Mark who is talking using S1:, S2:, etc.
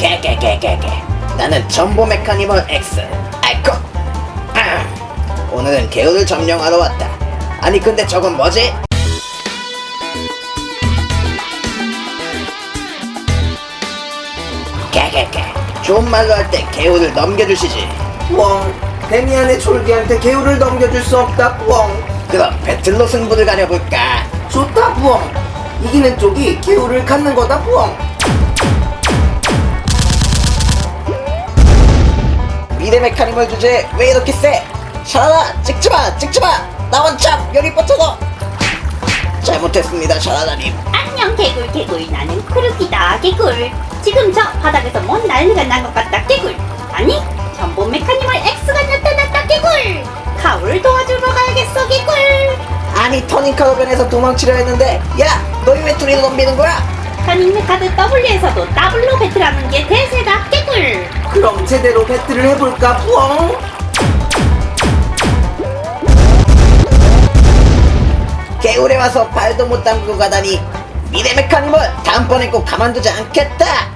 S1: 개개개개개. 나는 전보 메카니멀 X. 아이코. 오늘은 개울을 점령하러 왔다. 아니 근데 저건 뭐지? 개개개. 좋은 말로 할 때 개울을 넘겨주시지.
S2: 뻥. 데미안의 졸기한테 개울을 넘겨줄 수 없다. 뻥.
S1: 그럼 배틀로 승부를 가려볼까?
S2: 좋다. 뻥. 이기는 쪽이 개울을 갖는 거다. 뻥.
S1: 미래 메카니멀 주제 왜 이렇게 세? 샤라라 찍지마 나 원참 여기 뻗쳐서. 잘못했습니다 샤라라님.
S3: 안녕 개굴 나는 크루기다 개굴. 지금 저 바닥에서 뭔 난리가 난 것 같다 개굴. 아니 전보 메카니멀 X가 나타났다 개굴. 카울을 도와주러 가야겠어 개굴.
S1: 아니 터닝카로 변해서 도망치려 했는데 야 너희 왜 둘이 덤비는 거야?
S3: 터닝 카드 W에서도 더블로 배틀하는 게 대세다 개굴.
S2: 그럼 제대로 배틀을 해볼까. 뻥.
S1: 개울에 와서 발도 못 담그고 가다니. 미래 메카니멀 다음번에 꼭 가만두지 않겠다.